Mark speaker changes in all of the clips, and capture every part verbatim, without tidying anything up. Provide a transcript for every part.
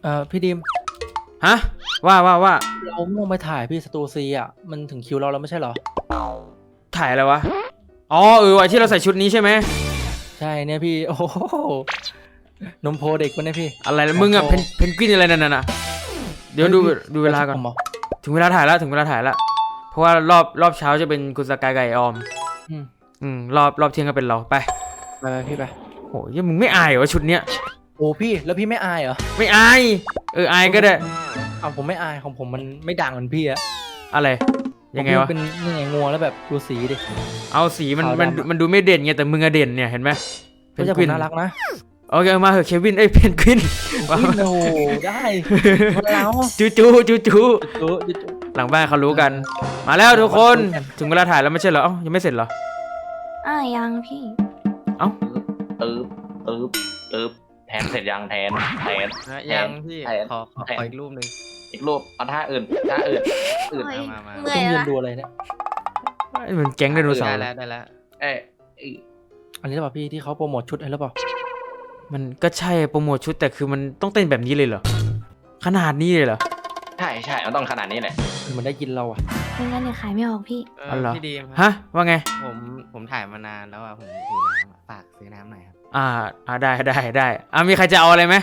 Speaker 1: เอ่อพี่ดิม
Speaker 2: ฮะว่าว่าว่า
Speaker 1: เราลงไปถ่ายพี่สตูซีอ่ะมันถึงคิวเราแล้วไม่ใช่เหรอ
Speaker 2: ถ่ายอะไรวะอ๋อเออไอที่เราใส่ชุดนี้ใช่ไหม
Speaker 1: ใช่เนี่ยพี่โอ้โหนมโพเด็กวะเนี่ยพี่
Speaker 2: อะไรนะมึงอะเพนเพนกวินอะไรนั่นน่ะเดี๋ยวดูดูเวลาก่อนถึงเวลาถ่ายแล้วถึงเวลาถ่ายแล้วเพราะว่ารอบรอบเช้าจะเป็นคุณสกายไก่ออม
Speaker 1: อืม
Speaker 2: อืมรอบรอบเที่ยงก็เป็นเราไป
Speaker 1: ไปไปพี่ไป
Speaker 2: โหยังมึงไม่อายเหรอชุดเนี้ย
Speaker 1: โอ้พี่แล้วพี่ไม่อายเหรอ
Speaker 2: ไม่อายเอออายก็ได้
Speaker 1: เอาผมไม่อายของผมมันไม่ดังเหมือนพี่อะ
Speaker 2: อะไรยังไงวะ
Speaker 1: เป็นยังไงงัวแล้วแบบดูสีดิ
Speaker 2: เอาสีมันมันมันดูไม่เด่นไงแต่มึงอะเด่นเนี่ยเห็นไหม
Speaker 1: เพนกวินน่ารักนะ
Speaker 2: โอเคมาเหอะเควินเอ้ยเพนกวิน
Speaker 1: โอ้ได้มาแล้ว
Speaker 2: จูจูจูจูหลังบ้านเขารู้กันมาแล้วทุกคนถึงเวลาถ่ายแล้วไม่ใช่เหรอเอ้ายังไม่เสร็จเหรอ
Speaker 3: อ่ายังพี่
Speaker 2: เอ้า
Speaker 4: ตึ๊บตึ๊บตึ๊บแทนเสร็จยังแทนแทน
Speaker 5: ยังพี่ขอขออีกรูปหนึ่ง
Speaker 4: อีกรูปเอาท่าอื่นท่าอื่นอื่น
Speaker 3: มามา
Speaker 1: ต้องยืนดูอะไรเนี่ย
Speaker 2: เหมือนแก๊งไดโนเสาร์
Speaker 5: ได้แล้วได้แล้ว
Speaker 4: เอ้
Speaker 1: อันนี้หรือเปล่าพี่ที่เขาโปรโมทชุดอะไรหรือเปล่า
Speaker 2: มันก็ใช่โปรโมทชุดแต่คือมันต้องเต้นแบบนี้เลยเหรอขนาดนี้เลยเหรอ
Speaker 4: ใช่ใช่มันต้องขนาดนี้แหละ
Speaker 1: มันได้กินเราอ่ะ
Speaker 3: ไม่งั้นเนี่ยขายไม่ออกพี่
Speaker 2: อ๋อเหรอ
Speaker 5: พี่ดีม
Speaker 2: ฮะว่าไง
Speaker 5: ผมผมถ่ายมานานแล้วอ่ะผมหิวน้ำฝากซื้อน้ำหน่อยครับ
Speaker 2: อ่าอ่าได้ได้ได้อ่ามีใครจะเอาอะไรไหม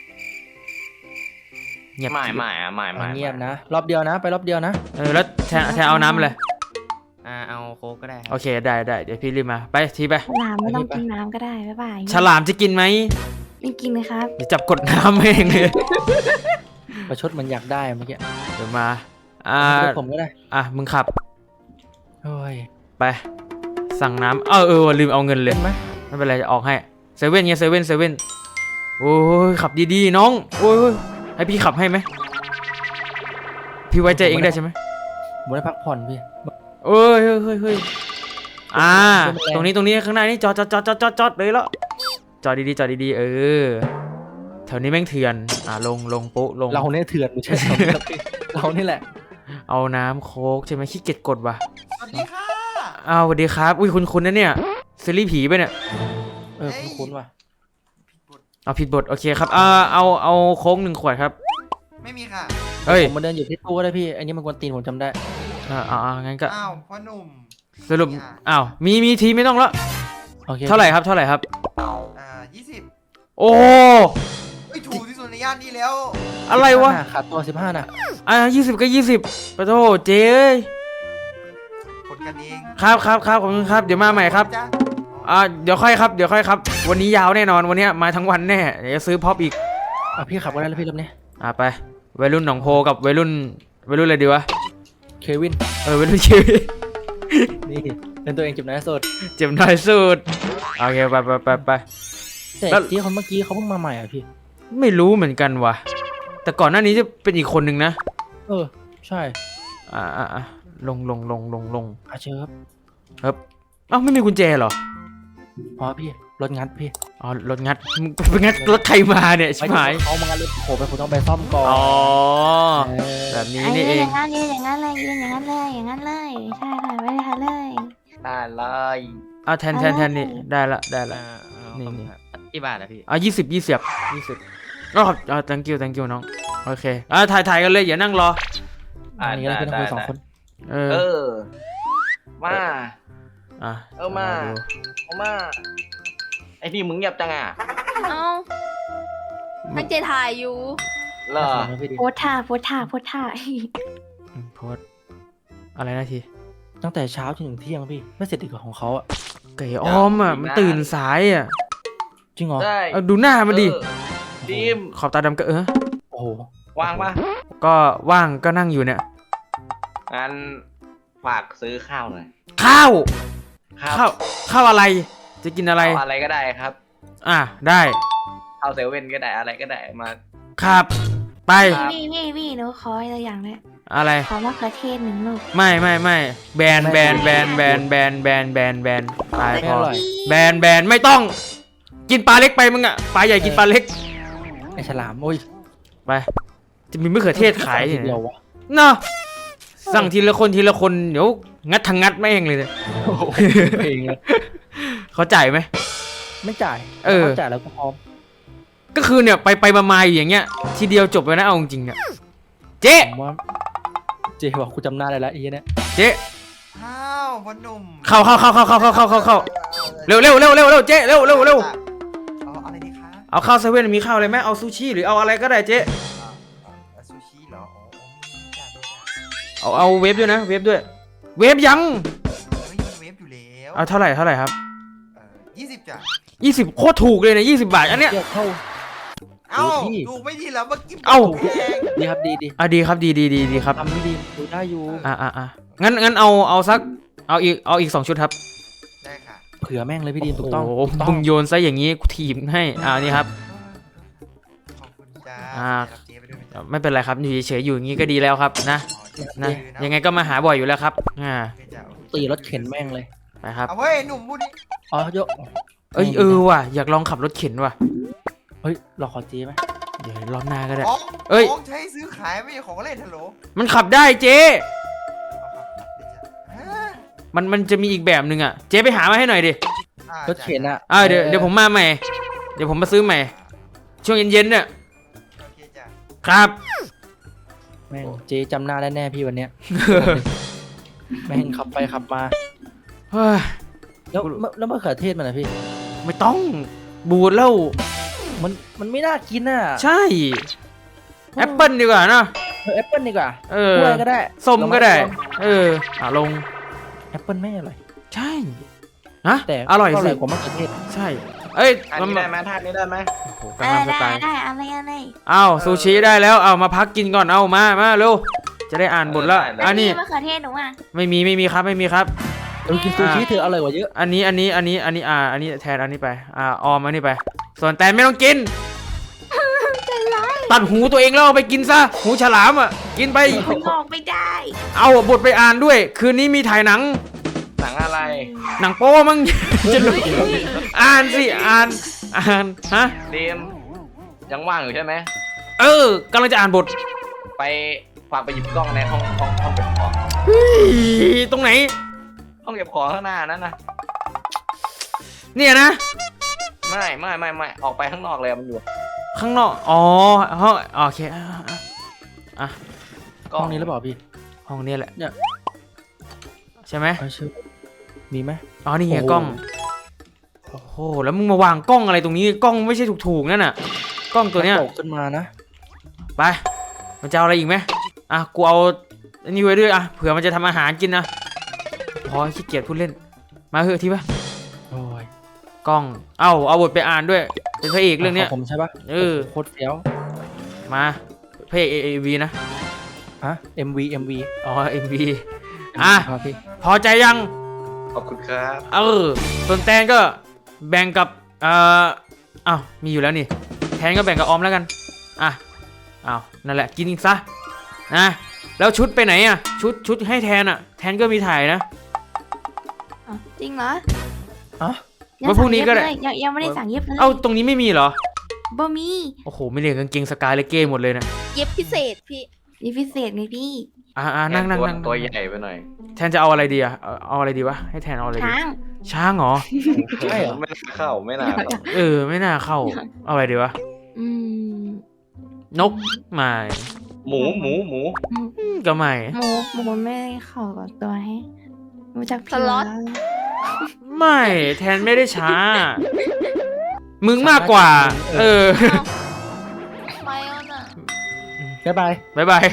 Speaker 4: เงียบไม่ไม่อะไม่ไม่
Speaker 1: เงียบนะรอบเดียวนะไปรอบเดียวนะ
Speaker 2: เออแล้วแทนแทนเอาน้ำเลย
Speaker 5: อ่าเอาโค้กก็ได้
Speaker 2: โอเคได้ได้เดี๋ยวพี่รีบมาไปทีไป
Speaker 3: ฉลามไม่ต้องกินน้ำก็ได้บ๊ายบาย
Speaker 2: ฉลามจะกินไหม
Speaker 3: ไม่กินเลยครับ
Speaker 2: เดี๋ยวจับกดน้ำเองเลย
Speaker 1: ประชดมันอยากได้เมื่อกี้
Speaker 2: เดี๋ยวมาอ่า
Speaker 1: ผมก็ได้
Speaker 2: อ่ะมึงขับ
Speaker 1: โอ้ย
Speaker 2: ไปสั่งน้ำเออเออลืมเอาเงินเลยไม่เป็นไรจะออกให้เซเว่นไงเซเว่นเซเว่นโอ้ยขับดีๆน้องโอ้ยให้พี่ขับให้ไหมพี่ไว้ใจเองได้ใช่ไหม
Speaker 1: ผมได้พักผ่อนพี่
Speaker 2: เอ้ยเฮ้ยเฮ้ยเฮ้ยอ่าตรงนี้ตรงนี้ข้างหน้านี่จอดจอดจอดจอดจอดจอดเลยแล้วจอดดีๆจอดดีๆเออแถวนี้แม่งเถื่อนอ่าลงลงปุ๊ลง
Speaker 1: เราเนี่ยเถื่อนไม่ใช่เรานี่แหละ
Speaker 2: เอาน้ำโค้กใช่ไหมขี้เกียจกดว่ะ
Speaker 5: สวัสดีค่ะ
Speaker 2: อ้าวสวัสดีครับอุ้ยคุณคุณนะเนี่ยซีรีส์ผีไปเนี่ย
Speaker 1: เออคุณคุณว่ะ
Speaker 2: เอาผิดบทโอเคครับอ่าเอาเอาโค้กหนึ่งขวดครับ
Speaker 5: ไม่มีค่ะ
Speaker 2: เฮ้ย
Speaker 1: ผมมาเดินอยู่ที่ตู้ก็ได้พี่อันนี้มันกวนตีนผมจำได้
Speaker 2: อ่าอ่างั้นก็
Speaker 5: อ้าวพ่อหนุ่ม
Speaker 2: สรุปอ้าวมีมีทีไม่ต้องแล้วเท่าไหร่ครับเท่าไหร่ครับ
Speaker 5: อ่ายี่สิบ
Speaker 2: โอ้
Speaker 5: ไอถูกที่สุดในย่านนี้แล้ว
Speaker 2: อะไรวะ
Speaker 1: ขาดตัวสิบห้าน่ะ
Speaker 2: อ่ายี่สิบก็ยี่สิบปะโถเจ๊
Speaker 5: คนกันเอง
Speaker 2: ครับครับครับขอบคุณครับเดี๋ยวมาใหม่ครับอ่าเดี๋ยวค่อยครับเดี๋ยวค่อยครับวันนี้ยาวแน่นอนวันนี้มาทั้งวันแน่เดี๋ยวจะซื้อพ็อปอีก
Speaker 1: อ่ะพี่ขับก็ได้แล้วพี่รอบนี้
Speaker 2: อ่าไปวัยรุ่นหนองโพกับวัยรุ่นวัยรุ่นอะไรดีวะ
Speaker 1: เควิน
Speaker 2: เออวัยรุ่นเควิน
Speaker 1: นี่เป็นตัวเองเจ็บน้อยสุด
Speaker 2: เจ็บน้อยสุดโอเคไปไปไปไป
Speaker 1: แต่ที่คนเมื่อกี้เขาเพิ่งมาใหม่อ่ะพี่
Speaker 2: ไม่รู้เหมือนกันว่ะแต่ก่อนหน้านี้จะเป็นอีกคนหนึ่งนะ
Speaker 1: เออใช่
Speaker 2: อ่าอ่าลงลงลงลงลง
Speaker 1: อาเชิญ
Speaker 2: ครับเอ้าไม่มีกุญแจเหรอ
Speaker 1: พอพี่รถงัดพี่
Speaker 2: อ๋อรถงัดไปงัดรถใครมาเนี่ยใช่ไหม
Speaker 1: เขามางัดรถผมไปผมต้องไปซ่อมก่อน
Speaker 2: อ๋อแบบนี้นี่เอง
Speaker 3: อย่างนั้นเลยอย่างนั้นเลยอย่างนั้นเลยอย่างนั้นเลยใช่ค่ะไม่ได้ค่ะเลย
Speaker 4: ได้เลย
Speaker 2: อ่ะแทนแทนแทนนี่ได้ละได้ละนี่นี่
Speaker 5: กี่บาทอะพี่
Speaker 2: อ่ะยี่สิบยี่สิบยี่สิบอ๋อครับอ่า thank you thank you น้องโอเคอ่ะถ่ายถ่ายกันเลยอย่านั่งรอ
Speaker 1: อ่านี่เราเป็นคนสองคน
Speaker 4: เออมา
Speaker 2: อ่ะ
Speaker 4: เออมาเอามาไอพี่มึงเงียบจังอ่ะ
Speaker 3: เอ้าตั้งใจถ่ายอยู่
Speaker 4: เหรอ
Speaker 3: โพสท่าโพสท่าโพสท่า
Speaker 2: โพสอะไรนะที
Speaker 1: ตั้งแต่เช้าจนถึงเที่ยงพี่ไม่เสร็จอีกของเขาอ่ะ
Speaker 2: ไก่อ้อมอ่ะมันตื่นสายอ่ะ
Speaker 1: จริงเหรอ
Speaker 2: เอาดูหน้ามันดิ
Speaker 4: ดิม
Speaker 2: ขอบตาดำก็เออ
Speaker 1: โอ้โห
Speaker 4: ว่างปะ
Speaker 2: ก็ว่างก็นั่งอยู่เนี่ย
Speaker 4: งั้นฝากซื้อข้าวหน่อย
Speaker 2: ข้าวข้าวข้าวอะไรจะกินอะไร
Speaker 4: อะไรก็ได้ครับ
Speaker 2: อ่ะได้
Speaker 4: ข้าวเซเว่นก็ได้อะไรก็ได้มา
Speaker 2: ครับไป
Speaker 3: นี่นี่นี่หนูขออะไรอย่างเลย
Speaker 2: อะไร
Speaker 3: ขอมะเขือเทศหนึ่งลูก
Speaker 2: ไม่ไม่ไม่แบนแบนแบนแบนแบนแบนแบนแบนตายพอแบนแบนไม่ต้องกินปลาเล็กไปมึงอ่ะปลาใหญ่กินปลาเล็ก
Speaker 1: ไอฉลามโอ้ย
Speaker 2: ไปจะมีมะเขือเทศขายเดียววะเนาะสั่งทีละคนทีละคนเดี๋ยวงัดทางงัดไม่เองเลยเนี่ยเขาจ่ายไหม
Speaker 1: ไม่จ่าย
Speaker 2: เออ
Speaker 1: เขาจ่ายแล้วก็พร้อม
Speaker 2: ก็คือเนี่ยไปไปมาๆอยู่อย่างเงี้ยทีเดียวจบเลยนะเอาจริงๆเนี่ยเจ๊
Speaker 1: ผมว่าเจบอกกูจำหน้าได้แล้วไอ้เหี้ยเนี่ย
Speaker 2: เจ๊
Speaker 6: อ้าวพ่อหนุ่ม
Speaker 2: เข้าเข้าเข้าเข้าเข้าเข้าเข้าเข้าเข้าเร็วเร็วเร็วเร็วเร็วเจ๊เร็วเร็วเร็ว
Speaker 6: เอาอะไรดีคะ
Speaker 2: เอาข้าวเซเว่นมีข้าวอะไรไหมเอาซูชิหรือเอาอะไรก็ได้เจ๊
Speaker 6: อ่าอ่าซูชิเหรออ๋อมีจ้ามีจ้า
Speaker 2: เอาเอาเวฟด้วยนะเวฟด้วย เวฟยัง
Speaker 6: เฮ้ยมันเวฟอยู่แล้ว
Speaker 2: เอาเท่าไหร่เท่าไหร่ครับ
Speaker 6: เออยี่สิบจ้ะ
Speaker 2: ยี่สิบโคตรถูกเลยนะยี่สิบบาทอันเนี้ย
Speaker 1: เทียบเข้า
Speaker 6: เอ้า
Speaker 1: พี่
Speaker 6: ถูกไม่ดีแล้วเมื่อกี้
Speaker 2: เอ้า
Speaker 6: แพง
Speaker 1: ดีครับดีดี
Speaker 2: อ่ะดีครับดีดีดีดีครับ
Speaker 1: ทำไม่ดีดูได้อยู่
Speaker 2: อ่ะอ่ะอ่ะงั้นงั้นเอาเอาสักเอาอีกเอาอีกสองชุดครับ
Speaker 6: ได้ค่ะ
Speaker 1: เผื่อแม่งเลยพี่ดีมถูกต้อง
Speaker 2: โอ้โห
Speaker 1: ถูกต้อ
Speaker 2: มึ
Speaker 1: ง
Speaker 2: งโยนซะอย่างนี้กูถีบให้อ่านี่ครับ
Speaker 6: ขอบคุณจ้า
Speaker 2: อ่า
Speaker 6: รับเจ๊ไปด้วยไหมจ๊ะ
Speaker 2: ไม่เป็นไรครับอยู่เฉยๆอยู่อย่างนี้ก็ดีแล้วครับนะ
Speaker 6: อ๋อเจ๊
Speaker 2: นะ
Speaker 6: ดื้อ
Speaker 2: ยังไงก็มาหาบ่อยอยู่แล้วครับอ่า
Speaker 6: โอเคจ้ะโอเค
Speaker 1: ตีรถเข็นแม่งเลย
Speaker 2: ไปครับ
Speaker 6: เอาเว้ยหนุ่มพูดดิ
Speaker 1: อ๋อโยก
Speaker 2: เอ้ยเออว่ะอยากลองขับรถเข็นว่ะ
Speaker 1: เฮ้ยเราขอเจไหม
Speaker 2: เดี๋ยวรอบหน้าก็ได้
Speaker 6: ของ
Speaker 2: เอ้ย
Speaker 6: ของใช้ซื้อขายไม่ใช่ของเล่นฮัลโหล
Speaker 2: มันขับได้เจ๊
Speaker 6: เอาครับครับเดี๋ยวจ้ะฮะ
Speaker 2: มันมันจะมีอีกแบบหนึ่งอ่ะเจ๊ไปหามาให้หน่อยดิ
Speaker 6: อ่าร
Speaker 1: ถเข็นอะ
Speaker 2: อ่าเดี๋ยวเดี๋ยวผมมาใหม่ เดี๋ยวผมมาซื้อใหม่ ช่วงเย็นๆเนี่ย
Speaker 6: โอเคจ้ะ
Speaker 2: ครับ
Speaker 1: แม่งเจจำหน้าได้แน่พี่วันเนี้ยแม่งขับไปขับมา
Speaker 2: เฮ้ย
Speaker 1: แล้วมะแล้วมะเขือเทศมันอะพี่
Speaker 2: ไม่ต้องบูดแล้ว
Speaker 1: มันมันไม่น่ากินอ่ะ
Speaker 2: ใช่แอปเปิลดีกว่านะ
Speaker 1: เออแอปเปิลดีกว่า
Speaker 2: เออก
Speaker 1: ล้วยก็ได้
Speaker 2: ส้มก็ได้
Speaker 1: ลอง
Speaker 2: เอออ่ะลง
Speaker 1: แอปเปิลไม่อร่อย
Speaker 2: ใช่ฮะ
Speaker 1: แต่
Speaker 2: อร่อย
Speaker 1: ก็อ
Speaker 2: สิ
Speaker 1: ร่อยกว่ามะเขือเทศ
Speaker 2: ใช่ เอ้ย
Speaker 4: ท่านี้ได้ไหมท่านี้ได้ไหม
Speaker 2: โอ้โห
Speaker 3: ได้
Speaker 2: กำลังส
Speaker 3: ได้
Speaker 2: ไตล์
Speaker 3: ได้อะไรอะไร
Speaker 2: อ้าวซูชิได้แล้วเอามาพักกินก่อนเอามามาเร็วจะได้อ่านบทแล้วอันนี้
Speaker 3: มะเขือเทศหนูอ่ะ
Speaker 2: ไม่มีไม่มีครับไม่มีครับ
Speaker 1: เออกินซูชิเธออร่อยกว่าเยอะ
Speaker 2: อันนี้อันนี้อันนี้อันนี้อ่าอันนี้แทนอันนี้ไปอ่าออมอันนี้ไป ส่วนแตนไม่ต้องกินตัดหูตัวเองแล้วเอาไปกินซะหูฉลามอ่ะกินไป
Speaker 3: มันออกไม่ได้
Speaker 2: เอาบทไปอ่านด้วย คืนนี้มีถ่ายหนัง
Speaker 4: หนังอะไร
Speaker 2: หนังโป้มั้ง จะรู้อ่านสิอ่านอ่านฮะ
Speaker 4: เดมยังว่างอยู่ใช่ไหม
Speaker 2: เออกำลังจะอ่านบท
Speaker 4: ไปฝากไปหยิบกล้องในห้องห้องห้องเก็บของ
Speaker 2: เฮ้ยตรงไหน
Speaker 4: ห้องเก็บของข้างหน้านั้นนะ
Speaker 2: เนี่ยนะ
Speaker 4: ไม่ไม่ไม่ไม่ออกไปข้างนอกเลยมันอยู่
Speaker 2: ข้างนอกอ๋อห้องโอเคอ่ะอ่ะอ่ะ
Speaker 4: กล้
Speaker 1: ห้องนี้หรือเปล่าพี่
Speaker 2: ห้องนี้แหละ
Speaker 1: เนี่ย
Speaker 2: ใช่ไหม
Speaker 1: เออชื่อมีไหม
Speaker 2: อ๋อนี่ไง
Speaker 1: โอ้โห
Speaker 2: กล้องโอ้โหแล้วมึงมาวางกล้องอะไรตรงนี้กล้องไม่ใช่ถูกๆนั่นน่ะกล้องตัวเนี้ย
Speaker 1: ตกขึ้นมานะ
Speaker 2: ไปมันจะเอาอะไรอีกไหมอ่ะกูเอาอันนี้ไว้ด้วยอ่ะเผื่อมันจะทำอาหารกินนะพอขี้เกียจพูดเล่นมาเถอะทีปะ
Speaker 1: โอ้ย
Speaker 2: กล้องเอ้าเอาบทไปอ่านด้วยเป็นพระเอกเรื่องเนี้ย
Speaker 1: ขผมใช่ปะ
Speaker 2: เออ
Speaker 1: โคตรเฟี้ยว
Speaker 2: มาพระเอกเอวีนะ
Speaker 1: ฮะ เอ็ม วี เอ็ม วี
Speaker 2: อ๋อเอ็มวีอ่ะ
Speaker 1: ครับพี่
Speaker 2: พอใจยัง
Speaker 4: ขอบคุณครับ
Speaker 2: เออส่วนแตนก็แบ่งกับเอ่ออ้าวมีอยู่แล้วนี่แทนก็แบ่งกับออมแล้วกันอ่ะอ้าวนั่นแหละกินซะนะแล้วชุดไปไหนอ่ะชุดชุดให้แทนอ่ะแทนก็มีถ่ายนะ
Speaker 3: อ๋อจริงเหรอ
Speaker 1: อ๋อ
Speaker 3: ยัง
Speaker 2: ว่าพรุ่งนี้ก็ได้
Speaker 3: สั่เย็บเลยยังยังไม่ได้สั่งเย็บเลย
Speaker 2: เอ้าตรงนี้ไม่มีเหรอ
Speaker 3: บ่มี
Speaker 2: โอ้โหไม่เรียกกางเกงสกายเลยเก้หมดเลยนะ
Speaker 7: เย็บพิเศษพี่
Speaker 3: มีพิเศษไงพี่
Speaker 2: อ่าอ่านั่งนั่ง
Speaker 4: ตัว
Speaker 2: นั่ง
Speaker 4: ตัวใหญ่ไปหน่อย
Speaker 2: แทนจะเอาอะไรดีอ่ะเอาเอาอะไรดีวะให้แทนเอาอะไรดี
Speaker 3: ช้าง
Speaker 2: ช้างเหรอ
Speaker 1: ใช่เหรอ
Speaker 4: ไม่น่าเข้าไม่น่าเข้า
Speaker 2: เออไม่น่าเข้าเอาอะไรดีวะ
Speaker 3: อืม
Speaker 2: นกไม่
Speaker 4: หมูหมูหมู
Speaker 2: อืมก็ไม่
Speaker 3: หมูหมูไม่เข้ากับตัวให้รู้จักพี่
Speaker 7: สล็อต
Speaker 3: แล้ว
Speaker 2: ไม่แทนไม่ได้ช้า มึงมากกว่า เออ
Speaker 7: ไม่เอาน่ะ
Speaker 1: บ๊ายบาย
Speaker 2: บายบาย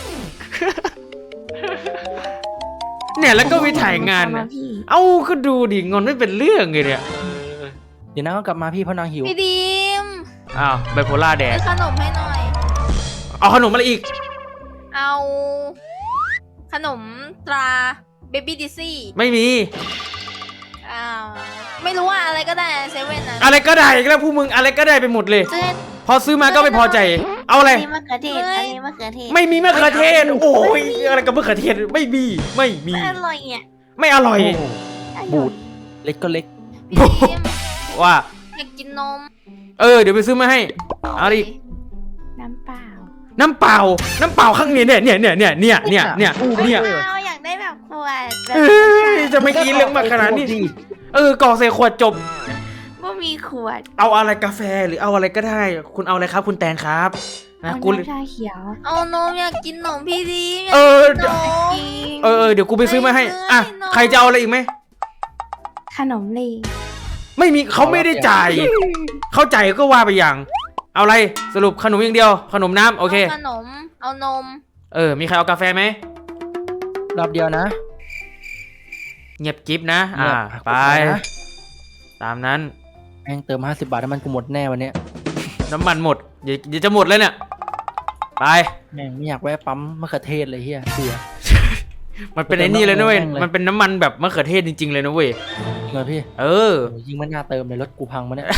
Speaker 2: เนี่ยแล้วก็มีถ่ายงาน
Speaker 3: ม
Speaker 2: นะ
Speaker 3: พี่
Speaker 2: เอ้าก็ดูดิงอนไม่เป็นเรื่องเลยเนี่ย
Speaker 1: เดี๋ยวนางก็กลับมาพี่เพราะนางหิว
Speaker 7: พี่ดีม
Speaker 2: อ้าวไบโพล่าแด
Speaker 7: ไป
Speaker 2: ก
Speaker 7: ขนมให้หน่อย
Speaker 2: เอาขนมอะไรอีก
Speaker 7: เอา ขนมตราเบบี้ดิซี่
Speaker 2: ไม่มี
Speaker 7: อ้าวไม่รู้ว่าอะไรก็ได้เซเว่นนะ
Speaker 2: อะไรก็ได้อีกแล้วพวกมึงอะไรก็ได้ไปหมดเลย
Speaker 3: เจ๊
Speaker 2: พอซื้อมาก็ไม่พอใจ เอาอะไร
Speaker 3: อันนี้มะเขือเทศอันนี้มะเขือเทศ
Speaker 2: ไม่มีมะเขือเทศ โอ้ยอะไรกับมะเขือเทศไม่มี ไม่มี
Speaker 3: ไม่อร่อยอ่ะ
Speaker 2: ไม่อร่อย
Speaker 1: โอ้โหบูด เล็กก็เล็ก
Speaker 7: พี่ดีม
Speaker 2: ว่า
Speaker 7: อยากกินนม
Speaker 2: เออเดี๋ยวไปซื้อมาให้ เอาดิ
Speaker 3: น้ำเปล่า
Speaker 2: น้ำเปล่า น้ำเปล่าข้างนี้เนี่ยเนี่ยเนี่ยเนี่ยเนี่ยเนี่ยเนี่ยเนี่ย
Speaker 3: เราอยากได้แบบขวดแบบ
Speaker 2: เอ้ยจะไม่กินเรื่องมากขนาดนี้ เออกรอกใส่ขวดจบ
Speaker 3: ว่ามีขวด
Speaker 2: เอาอะไรกาแฟหรือเอาอะไรก็ได้ คุณเอาอะไรครับ คุณแตนครับนะ
Speaker 3: เอา
Speaker 2: กู
Speaker 3: น้ำชาเขียว
Speaker 7: เอานมอยากกินนมพี่ดีมอยาก
Speaker 2: เออ
Speaker 7: กินนม
Speaker 2: เออเออเดี๋ยวกูไปซื้อมาให้ อ่ะ
Speaker 7: ไม่เลย
Speaker 2: ใครจะเอาอะไรอีกไหม
Speaker 3: ขนมเลย
Speaker 2: ไม่มีเขาไม่ได้จ่าย เขาจ่ายก็ว่าไปอย่าง เอาอะไรสรุปขนมอย่างเดียว ขนมน้ำโอเค
Speaker 7: าขนม เอานม
Speaker 2: เออ มีใครเอากาแฟไหม
Speaker 1: รอบเดียวนะ
Speaker 2: เงียบกิฟนะ อ่า
Speaker 1: เงียบ
Speaker 2: ไป
Speaker 1: นะ
Speaker 2: ตามนั้น
Speaker 1: แม่งเติมห้าสิบบาทน้ำมันกูหมดแน่วันเนี้ย
Speaker 2: น้ำมันหมดเดี๋ยวเดี๋ยวจะหมดแล้วเนี่ย ไป
Speaker 1: แม่งไม่อยากแวะปั๊มมะเขือเทศเลยเฮียเบื่อ
Speaker 2: มันเป็นไอ้นี่เลยนะเว้ย
Speaker 1: แม่งเลย
Speaker 2: มันเป็นน้ำมันแบบมะเขือเทศจริงๆเลยนะเว้ย
Speaker 1: จริงเหรอพี่
Speaker 2: เออ
Speaker 1: โอ้ยยิ่งไม่น่าเติมเลยรถกูพังมาเนี่ย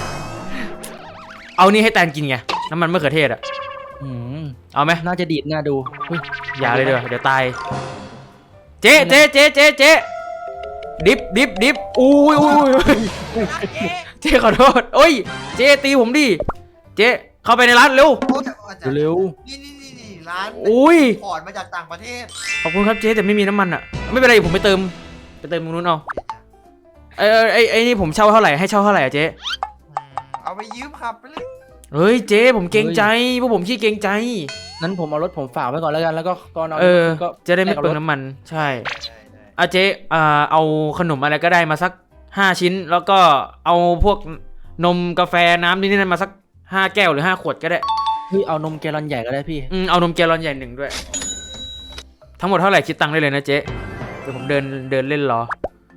Speaker 2: เอานี่ให้แตนกินไง น้ำมันมะเขือเทศอะ
Speaker 1: อืม
Speaker 2: เอาไหม
Speaker 1: น่าจะดีดน่าดูเฮ้ย
Speaker 2: อย่าเลยเดี๋ยวเดี๋ยวตาย เจ๊เจ๊เจ๊เจ๊เจ๊ดิบดิบดิบอุ้ยอุ้ยอุ้ยเจ๊ขอโทษโอ้ย เจ๊ตีผมดิ เจ๊เข้าไปในร้านเร็ว
Speaker 6: โอ้แต่อาจารย์
Speaker 1: เร็ว
Speaker 6: นี่นี่นี่นี่ร้าน
Speaker 2: อุ้ย
Speaker 6: พอร์ตมาจากต่างประเทศ
Speaker 2: ขอบคุณครับเจ๊แต่ไม่มีน้ำมันอะไม่เป็นไรผมไปเติม ไปเติมตรงนู้นเอาไอ้ไอ้ไอ้นี่ผมเช่าเท่าไหร่ให้เช่าเท่าไหร่อะเจ๊
Speaker 6: อืมเอาไปยืมขับไปเลย
Speaker 2: เฮ้ยเจ๊ผมเกรงใจพวกผมขี้เกรงใจ
Speaker 1: นั้นผมเอารถผมฝากไว้ก่อนแล้วกัน แล้วก็ตอนเอา
Speaker 2: เออ
Speaker 1: ก็
Speaker 2: จะได้ไม่
Speaker 1: แลกกับ
Speaker 2: เปลือง
Speaker 1: รถ
Speaker 2: น้ำมัน ใช่
Speaker 6: ได้ได้
Speaker 2: อ่ะเจ๊อ่าเอาขนมอะไรก็ได้มาสักห้าชิ้น แล้วก็เอาพวกนมกาแฟน้ำนี่นี่นั่นมาสักห้าแก้วหรือห้าขวดก็ได้
Speaker 1: เฮ้ยเอานมแกลลอนใหญ่ก็ได้พี่
Speaker 2: อืมเอานมแกลลอนใหญ่หนึ่งด้วย ทั้งหมดเท่าไหร่คิดตังค์ได้เลยนะเจ๊เดี๋ยวผมเดินเดินเล่นรอ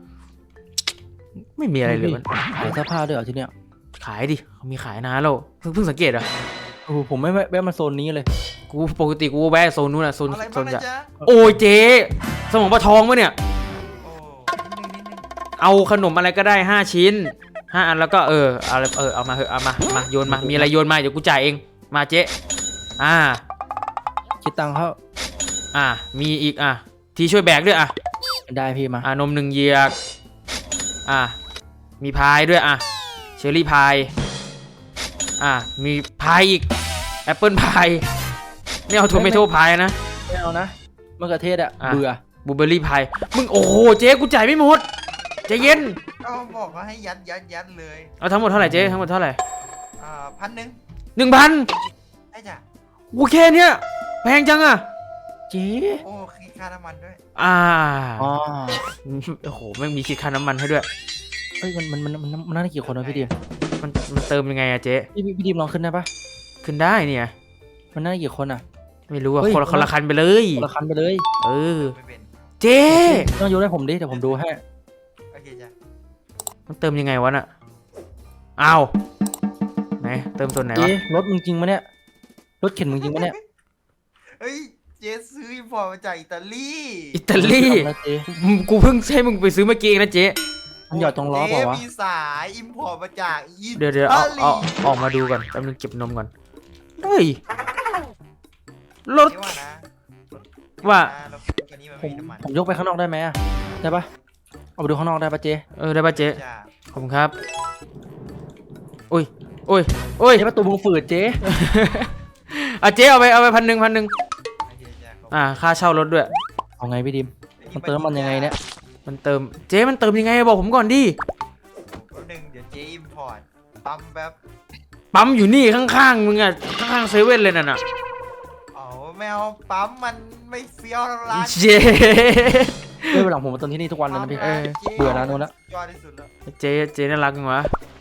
Speaker 2: ไม่มีอะไรเลยมัน
Speaker 1: ขายเสื้อผ้าด้วยเหรอที่เนี้ย
Speaker 2: ขายดิเขามีขายนะแล้วเพิ่งเพิ่งสังเกตเหรอ่ะ
Speaker 1: โอ้โหผมไม่แวะแวะมาโซนนี้เลย
Speaker 2: กูปกติกูแวะโซนนู้นอะโซน
Speaker 6: อะไร
Speaker 2: โซ
Speaker 6: บ้าง
Speaker 2: น
Speaker 6: นะ
Speaker 2: จะ
Speaker 6: จ๊ะ
Speaker 2: โอ้ยเจ๊สมองปลาทองปะเนี่ย
Speaker 6: โอ้นิดนึงนิดนึง
Speaker 2: เอาขนมอะไรก็ได้ห้าชิ้นห้าอันแล้วก็เออเอาเออเอามาเถอะเอามามาโยนมามีอะไรโยนมาเดี๋ยวกูจ่ายเองมาเจ๊อ่า
Speaker 1: คิดตังค์เขา
Speaker 2: อ่ามีอีกอ่ะทีช่วยแบกด้วยอ่ะ
Speaker 1: ได้พี่มา
Speaker 2: อ่านมหนึ่งเหยือก อ่ะ มีพายด้วยอ่ะ เชอร์รี่พาย อ่ะ มีพายอีก แอปเปิลพายไม่เอาทูเมโต้พายนะ
Speaker 1: ไม่เอานะมะเขือเทศอะ
Speaker 2: อ่ะ
Speaker 1: เบื่อ
Speaker 2: บลูเบอร์รี่พาย มึงโอ้โห เจ๊กูจ่ายไม่หมดใจเย็น
Speaker 6: ก็บอกว่าให้ยัดยัดยัดเลย
Speaker 2: เอาทั้งหมดเท่าไหร่เจ๊ทั้งหมดเท่าไหร่
Speaker 6: อ่าพันหนึ่ง
Speaker 2: หนึ่งพัน
Speaker 6: ไอ้จ้ะ
Speaker 2: โอเคเนี่ยแพงจังอ่ะ
Speaker 1: เจ๊
Speaker 6: โอ้คิดค่าน้ำมันด้วย
Speaker 2: อ่า
Speaker 1: อ๋อ
Speaker 2: โอ้โหแม่งมีคิดค่าน้ำมันให้ด้วย
Speaker 1: เอ้ยมันมันมันมันมันน่าจะกี่คนวะพี่ดิม
Speaker 2: มันมันเติมยังไงอะเจ๊
Speaker 1: พี่พี่พี่ดิมลองขึ้นได้ปะ
Speaker 2: ขึ้นได้เนี่ย
Speaker 1: มันน่าจะกี่คนอะ
Speaker 2: ไม่รู้อะ
Speaker 1: เฮ้ย
Speaker 2: คนละคนละคันไปเลย
Speaker 1: คนละคันไปเลย
Speaker 2: เออ
Speaker 6: ไม่เป็น
Speaker 2: เจ๊
Speaker 1: ต้องโยนให้ผมดิเดี๋ยวผมดูให้
Speaker 6: โอเคจ้ะ
Speaker 2: มันเติมยังไงวะน่ะอ้าวไหนเติมส่วนไหนวะ
Speaker 1: เจ๊รถมึงจริงปะเนี่ยรถเข็นมึงจริงปะเนี่ย
Speaker 6: เฮ้ยเจซื้ออินพอร์ตมาจากอิตาลี
Speaker 2: อิตาลี
Speaker 1: ทำอะไรเจ๊
Speaker 2: มึงกูเพิ่งให้มึงไปซื้อเมื่อกี้เองนะเจ๊
Speaker 1: มันหยอดตรงล้อเปล่าวะ
Speaker 6: เจ๊มีสายอินพอร์ตมาจากอิตาลี
Speaker 2: เดี๋ยวเดี๋ยวเอาเอาออกมาดูก่อนแป๊บนึงเก็บนมก่อนเฮ้ยรถ
Speaker 6: เจ๊ว่านะ
Speaker 2: ว่า
Speaker 6: รถคันนี้มัน
Speaker 1: ผม
Speaker 6: มีน้ำมัน
Speaker 1: ผมยกไปข้างนอกได้ไหมอะได้ปะเอาไปดูข้างนอกได้ปะเจ๊
Speaker 2: เออได้ป่ะเจ๊
Speaker 6: จ้ะ
Speaker 2: ขอบคุณครับโอ้ยโอ้ยโอ้ย
Speaker 1: เจ๊ประตูมึงฝืดเจ๊
Speaker 2: อ่ะเจ๊เอาไปเอาไปพันหนึ่งพันหนึ่ง
Speaker 6: โอเคจ้ะขอบคุณ
Speaker 2: อ่าค่าเช่ารถด้วย
Speaker 1: เอาไงพี่ดิมมันเติมมันยังไงเนี่ย
Speaker 2: มันเติมเจ๊มันเติมยังไงบอกผมก่อนดิ
Speaker 6: แป๊บนึงเดี๋ยวเจ๊อินพอร์ตปั๊มแบบ
Speaker 2: ปั๊มอยู่นี่ข้างๆมึงอะข้างๆเซเว่นเลยน่ะน่ะ
Speaker 6: อ๋อแมวปั๊มมันไม่เฟี้ยวแล้วร้าน
Speaker 2: เจ๊
Speaker 1: เฮ้ยวันหลังผมมาเติมที่นี่ทุกวันเลยนะพี่
Speaker 2: เออ
Speaker 6: จ๊
Speaker 1: เบื่อนะนู้นละ
Speaker 6: ยอดที่สุดแล้ว
Speaker 2: เจ๊เจ๊น่ารักจังวะ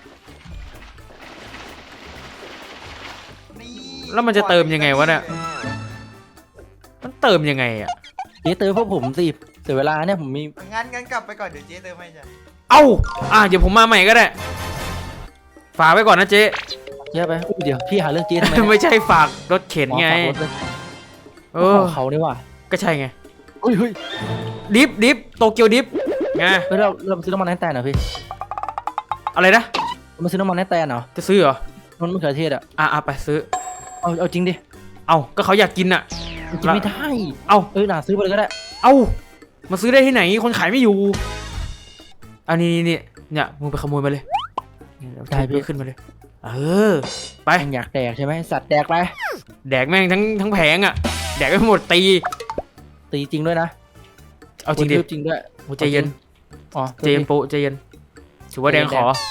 Speaker 6: นี่
Speaker 2: แล้วมันจะเติมยังไงวะเนี่ย มันเติมยังไงอะ
Speaker 1: เจ๊เติมพวกผมสิเสียเวลาเนี่ยผมมี
Speaker 6: งั้นงั้นกลับไปก่อนเดี๋ยวเจ๊เติมให้จ้ะ
Speaker 2: เอ้าอ่ะเดี๋ยวผมมาใหม่ก็ได้ ฝากไว้ก่อนนะเจ๊
Speaker 1: เจ๊ไปอุ๊ยเดี๋ยวพี่หาเรื่องเจ๊ทำไมเนี่ย
Speaker 2: ไม่ใช่ฝากรถเข็นไง
Speaker 1: อ๋อฝากรถเลย
Speaker 2: เอ
Speaker 1: ข
Speaker 2: อ
Speaker 1: องเขานี่ว่ะ
Speaker 2: ก็ใช่ไง
Speaker 1: เฮ้ยเฮ้ย
Speaker 2: ดิฟดิฟโตเกียวดิฟไง
Speaker 1: เฮ้ยเราเราไปซื้อน้ำมันให้แตนเหรอพี่
Speaker 2: อะไรนะ
Speaker 1: เรามาซื้อน้ำมันให้แตนเหรอ
Speaker 2: จะซื้อเหรอ
Speaker 1: มันมะเขือเทศอะ
Speaker 2: อ่ะอ่ะไปซื้อ
Speaker 1: เอาเอาจริงดิ
Speaker 2: เอาก็เขาอยากกินอ่ะ
Speaker 1: มันกินไม่ได้
Speaker 2: เอา
Speaker 1: เอ้ยน่าซื้อไปเลยก็ได้
Speaker 2: เอามาซื้อได้ที่ไหน คนขายไม่อยู่อันนี้นี่นี่เนี่ยมึงไปขโมยมาเลยเนี่ยเดี๋ยว
Speaker 1: ได้พี่
Speaker 2: ขึ้นมาเลย เออ ไป
Speaker 1: แม่งอยากแดกใช่ไหมสัตว์แดกไป
Speaker 2: แดกแม่งทั้งทั้งแผงอ่ะ แดกไม่หมดตี
Speaker 1: ตีจริงด้วยนะ
Speaker 2: เอาจริงดิ
Speaker 1: กะทืบจริงด้วย
Speaker 2: โอ้ใจเย็น
Speaker 1: อ๋อ
Speaker 2: ใจเย็นโปะใจเย็นถือว่าแดงขอ
Speaker 1: โอ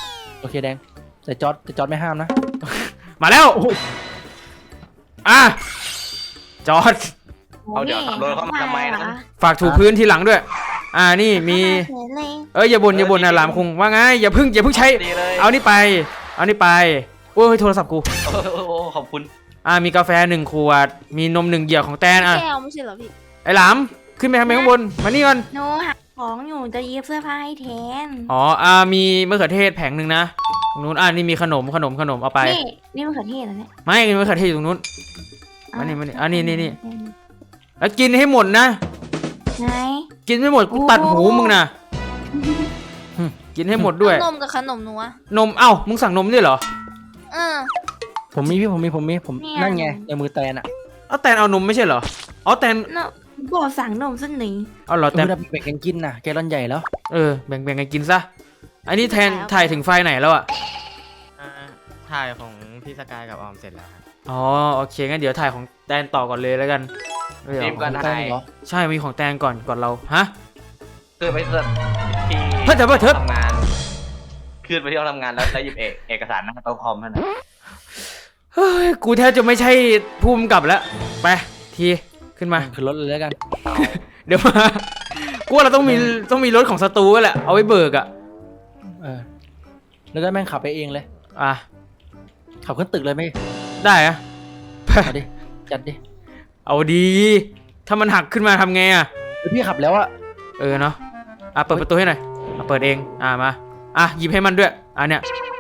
Speaker 1: โอเคแดงแต่จอร์ดแต่จอร์ดไม่ห้ามนะ
Speaker 2: มาแล้วอ่ะจอด
Speaker 4: เอาเดี๋ยวขับรถเข้ามาทำไมนะ
Speaker 2: ฝากถูพื้นทีหลังด้วย อ่านี่มี
Speaker 3: เฉยเลย
Speaker 2: เอ้ยอย่าบ่นอย่าบ่นนะหลามคงว่าไงอย่าเพึ่งอย่าเพึ่งใช้
Speaker 4: ดีเลย
Speaker 2: เอานี่ไป เอานี่ไปโอ้ยโทรศัพท์กู
Speaker 4: โอ้โหขอบคุณ
Speaker 2: อ่ามีกาแฟหนึ่งขวด มีนมหนึ่งเหยือกของแตนอ่ะ
Speaker 7: แก้วไม่ใช่เหรอพี่
Speaker 2: ไอ้หลามขึ้นไปทำไมข้างบนมานี่ก่อน
Speaker 3: หนูหาของอยู่จะเย็บเสื้อผ้าให้แทน
Speaker 2: อ๋ออ่ามีมะเขือเทศแผงหนึ่งนะตรงนู้นอ่านี่มีขนมขนมขนมเอาไป
Speaker 3: นี่นี่มะเขือเทศเหรอเนี่ย
Speaker 2: ไม่มะเขือเทศอยู่ตรงนู้น
Speaker 3: อ่ะ
Speaker 2: มานี่มานี่อ่ะนี่นี่นี่ แล้วกินให้หมดนะ
Speaker 3: ไหน
Speaker 2: กินไม่หมดกูตัดหูมึงนะหึกินให้หมดด้วย
Speaker 7: นมกับขนมหนูอะ
Speaker 2: นมเอ้ามึงสั่งนมด้วยเหรอ
Speaker 7: เออ
Speaker 1: ผมมีพี่ผมมีผมมีผมนั่นไงในมือแตนอ่ะ
Speaker 2: เอาแตนเอานมไม่ใช่เหรออ๋อแตน
Speaker 3: เนาะบอกสั่งนมสักหนึ่ง
Speaker 2: เอาเหรอ
Speaker 1: แต่
Speaker 2: แตน
Speaker 1: แบ่งกันกินน่ะแกลอนใหญ่แล้ว
Speaker 2: เออแบ่งแบ่งกันกินซะอันนี้แทนถ่ายถึงไฟไหนแล้วอ่ะ
Speaker 5: อ่าถ่ายของพี่สกายกับออมเสร็จแล้วครับ
Speaker 2: อ๋อโอเคงั้นเดี๋ยวถ่ายของแตนต่อก่อนเลยแล้วกันเออ
Speaker 4: รีบก่อน
Speaker 1: ของ
Speaker 4: ได้
Speaker 1: แตนเหรอ
Speaker 2: ใช่มีของแตนก่อนก่อนเราฮะ
Speaker 4: คือไปเสิร์ฟที่
Speaker 2: เฮ้ยเดี๋ยวเดี๋ยวเดี๋ยว
Speaker 4: ทำงานขึ้นไปที่ห้องทำงานแล้วแล้วหยิบเอกเอกสารหน้าโต๊ะคอมนั่นนะ
Speaker 2: เฮ้ยกูแทบจะไม่ใช่ภูมิกับแล้วไปทีขึ้นมา
Speaker 1: คือรถเลยแล้วกัน
Speaker 2: เดี๋ยวมากูว่าเราต้องมีต้องมีรถของสตูแหละเอาไว้เบิกอ่ะ
Speaker 1: เออแล้วก็แม่งขับไปเองเลย
Speaker 2: อ่ะ
Speaker 1: ขับขึ้นตึกเลยไหม
Speaker 2: ได้อะ
Speaker 1: เอาดิจัดดิ
Speaker 2: เอาดี ถ้ามันหักขึ้นมาทำไงอ่ะ
Speaker 1: เดี๋ยวพี่ขับแล้วอะ
Speaker 2: เออเนาะอ่ะเปิดประตูให้หน่อยอ่ะเปิดเองอ่ะมาอ่ะหยิบให้มันด้วยอ่ะเนี่ย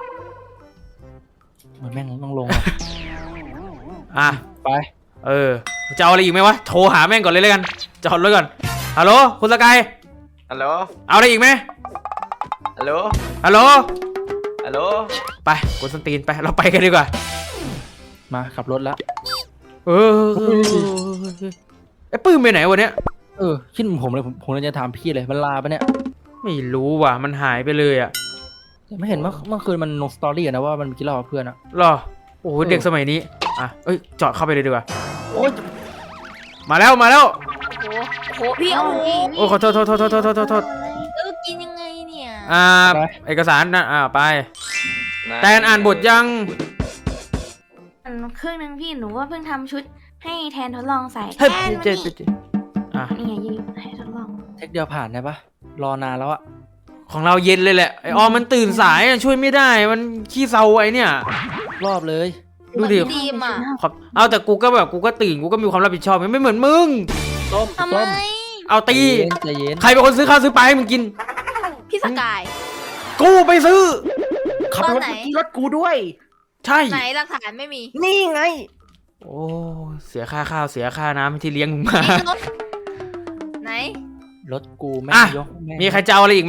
Speaker 1: เหมือนแม่งต้องลงอะ
Speaker 2: อ่ะ
Speaker 1: ไป
Speaker 2: เออจะเอาอะไรอีกไหมวะโทรหาแม่งก่อนเลยแล้วกันจอดรถก่อนฮัลโหลคุณสกาย
Speaker 4: ฮัลโหล
Speaker 2: เอาอะไรอีกไหม
Speaker 4: ฮัลโหล
Speaker 2: ฮัลโหล
Speaker 4: ฮัลโหล
Speaker 2: ไปกดสนตีนไปเราไปกันดีกว่า
Speaker 1: มาขับรถแล้ว
Speaker 2: เออไอ้ปื้มไปไหนวะเนี้ย
Speaker 1: เออคิดเหมือนผมเลยผมผมเลยจะถามพี่เลยมันลาปะเนี่ย
Speaker 2: ไม่รู้ว่ะมันหายไปเลยอ่ะ
Speaker 1: แต่ไม่เห็นเมื่อเมื่อคืนมันลงสตอรี่อะนะว่ามันกินเหล้ากับเพื่อนอะ
Speaker 2: หรอโอ้โหเด็กสมัยนี้อ่ะเอ้ยจอดเข้าไปเลยดีกว่า
Speaker 1: โอ๊ย
Speaker 2: มาแล้วมาแล้ว
Speaker 7: โอ้โหโอ้โหพี่โอ้โห
Speaker 2: โอ้ขอโทษโทษโทษโทษโทษโทษโทษ
Speaker 7: เออกินยังไงเนี่ย
Speaker 2: อ่าเอกสารนะอ่าไปแตนอ่านบทยัง
Speaker 3: อันครึ่งนึงพี่หนูว่าเพิ่งทำชุดให้แทนทดลองใส่
Speaker 2: เฮ้ย
Speaker 3: แทน
Speaker 2: เจ็
Speaker 3: มา
Speaker 2: ด
Speaker 3: นี่
Speaker 2: เจ็ดอ่ะ
Speaker 3: นี่ไงยืนให้ทดลอง
Speaker 1: เทคเดียวผ่านได้ปะรอนานแล้วอะ
Speaker 2: ของเราเย็นเลยแหละไอออมมันตื่นสายอะช่วยไม่ได้มันขี้เซาไอเนี่ย
Speaker 1: รอบเลย
Speaker 2: ดูดิ
Speaker 7: ดีมอ่ะ
Speaker 2: ขอบเอาแต่กูก็แบบกูก็ตื่นกูก็มีความรับผิดชอบไม่เหมือนมึง
Speaker 1: ต้ม
Speaker 7: ทำไม
Speaker 1: ต้ม
Speaker 2: เอาตี
Speaker 1: ใจเย็น
Speaker 2: ใครเป็นคนซื้อข้าวซื้อปลาให้มึงกิน
Speaker 7: พี่สกาย
Speaker 2: กูไปซื้อ
Speaker 1: ขับ
Speaker 7: ตอน
Speaker 1: รถ
Speaker 7: ไหน
Speaker 1: รถกูด้วย
Speaker 2: ใช่
Speaker 7: ไหนหลักฐานไม่มี
Speaker 1: นี่ไง
Speaker 2: โอ้เสียค่าข้าวเสียค่าน้ำที่เลี้ยงมึงมา
Speaker 7: มีรถไหน
Speaker 1: รถกูแม่
Speaker 2: อ่ะ
Speaker 1: งยกแง
Speaker 2: มีใครจะเอาอะไรอีกไหม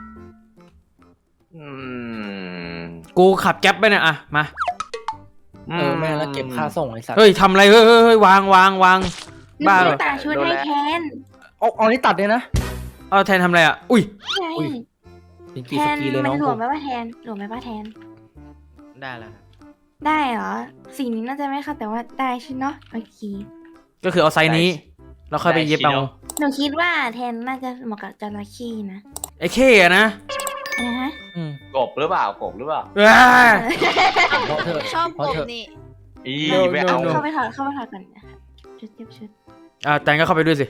Speaker 4: อืม
Speaker 2: กูขับแก๊ปไปเนี่ยอะมา
Speaker 1: เออแม่งแล้วเก็บค่าส่งไอ้สัตว์
Speaker 2: เฮ้ยทำอะไรเฮ้ยเฮ้ยเฮ้ยวางวางวาง บ้าเหรอ
Speaker 3: หนูตาชุดให้แทน
Speaker 1: เอาเอานี่ตัดเลยนะ
Speaker 2: เอาแทนทำอะไรอ่ะอุ้ย
Speaker 3: ใช่
Speaker 1: อุ้ย เป็น
Speaker 3: แท
Speaker 1: กี่ส
Speaker 3: น
Speaker 1: กีเลย
Speaker 3: มั
Speaker 1: น้
Speaker 3: น
Speaker 1: อง
Speaker 3: หล
Speaker 1: กู
Speaker 3: วมไหมว่าแทนหลวมไหมว่าแทน
Speaker 5: ได้แล้วครับ
Speaker 3: ได้เหรอสีนี้น่าจะไม่ค่ะแต่ว่าได้ใช่เนาะโอเค
Speaker 2: ก็คือเอาไซส์นี้แล้วค่อยไปเย็บเอา
Speaker 3: หนูคิดว่าแทนน่าจะเหมาะกับจระเข้นะ
Speaker 2: ไอ้เข้อะนะ
Speaker 3: นะฮะ
Speaker 1: อืม
Speaker 4: กบหรือเปล่ากบหรือเปล่า
Speaker 2: ว้า
Speaker 1: เพราะเธอะ
Speaker 7: ชอบ
Speaker 1: เพ
Speaker 7: ผ
Speaker 1: ราะ
Speaker 7: ม
Speaker 1: เธอะ
Speaker 7: นี่
Speaker 4: อี
Speaker 2: โน่
Speaker 4: ไม่เอา
Speaker 2: โน่
Speaker 3: เข้าไปถอดเข้าไปถอดก่อนนะคะชุดเทียบชุด
Speaker 2: อ่าแตนก็เข้าไปด้วยสิ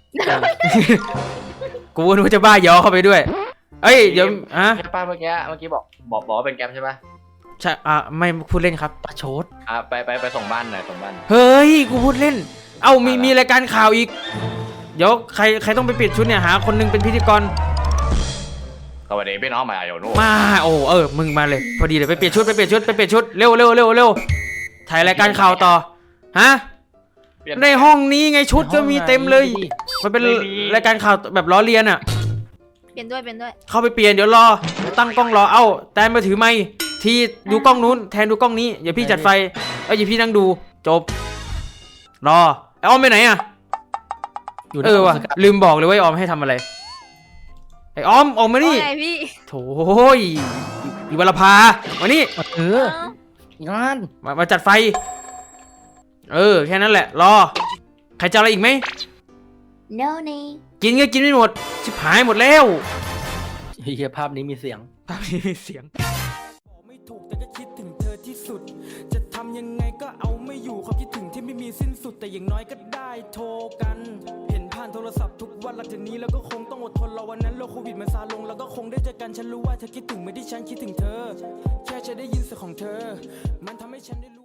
Speaker 2: กูนึกว่าจะบ้ายอเข้าไปด้วย เอ้ยเดี๋ยวฮะ
Speaker 4: ใช่ป้าเมื่อกี้เมื่อกี้บอกบอกบอกว่าเป็นแก๊ปใช่ป่ะ
Speaker 2: ใช่อ่ะไม่พูดเล่นครับ
Speaker 1: ประชด
Speaker 4: อ่ะไปไปไปส่งบ้านหน่อยส่งบ้าน
Speaker 2: เฮ้ยกูพูดเล่น เอ้ามีมีรายการข่าวอีก เดี๋ยวใครใครต้องไปเปลี่ยนชุดเนี่ยหาคนหนึงเป็นพิธีกร
Speaker 4: สวัสดีพี่น้องมาอยู่นู่น
Speaker 2: มาโอ้เออมึงมาเลยพอดีเลยไปเปลี่ยนชุดไปเปลี่ยนชุดไปเปลี่ยนชุดเร็วเร็วเร็วเร็วถ่ายรายการข่าวต่อฮะ
Speaker 4: เปลี่ย
Speaker 2: ในห้องนี้ไงชุดก็มีเต็มเลย มันเป็น
Speaker 4: ไม่มี
Speaker 2: รายการข่าวแบบล้อเลียนอ่ะ
Speaker 7: เปลี่ยนด้วยเปลี่ยนด้วย
Speaker 2: เข้าไปเปลี่ยนเดี๋ยวรอเดี๋ยวตั้งกล้องรอเอ้าแตนมาถือไมค์ทีดูกล้องนู้นแทนดูกล้องนี้อย่าพี่จัดไฟเอ้ยอย่าพี่นั่งดูจบรอไอออมไปไหนอ่ะ
Speaker 1: อยู่ใน
Speaker 2: เออว่ะ
Speaker 1: สกัด
Speaker 2: ลืมบอกเลยว่าไอออมให้ทำอะไรไอออมออกมานี่
Speaker 7: ว่าไงพี่
Speaker 2: โถ่ยอีวรพามานี่
Speaker 1: เออ
Speaker 7: เอ้าง
Speaker 1: าน
Speaker 2: มามาจัดไฟเออแค่นั้นแหละรอใครจะเอาอะไรอีกไหม
Speaker 3: no นี่
Speaker 2: กินก็กินไม่หมดชิบหายหมดแล้ว
Speaker 1: เฮียภาพนี้มีเสียง
Speaker 2: ตามนี้มีเสียง
Speaker 8: ถูกแต่ก็คิดถึงเธอที่สุด จะทำยังไงก็เอาไม่อยู่ความคิดถึงที่ไม่มีสิ้นสุดแต่อย่างน้อยก็ได้โทรกันเห็นผ่านโทรศัพท์ทุกวันหลังจากนี้แล้วก็คงต้องอดทนรอวันนั้นโรคโควิดมันซาลงแล้วก็คงได้เจอกันฉันรู้ว่าเธอคิดถึงเหมือนที่ฉันคิดถึงเธอแค่จะได้ยินเสียงของเธอมันทำให้ฉันได้รู้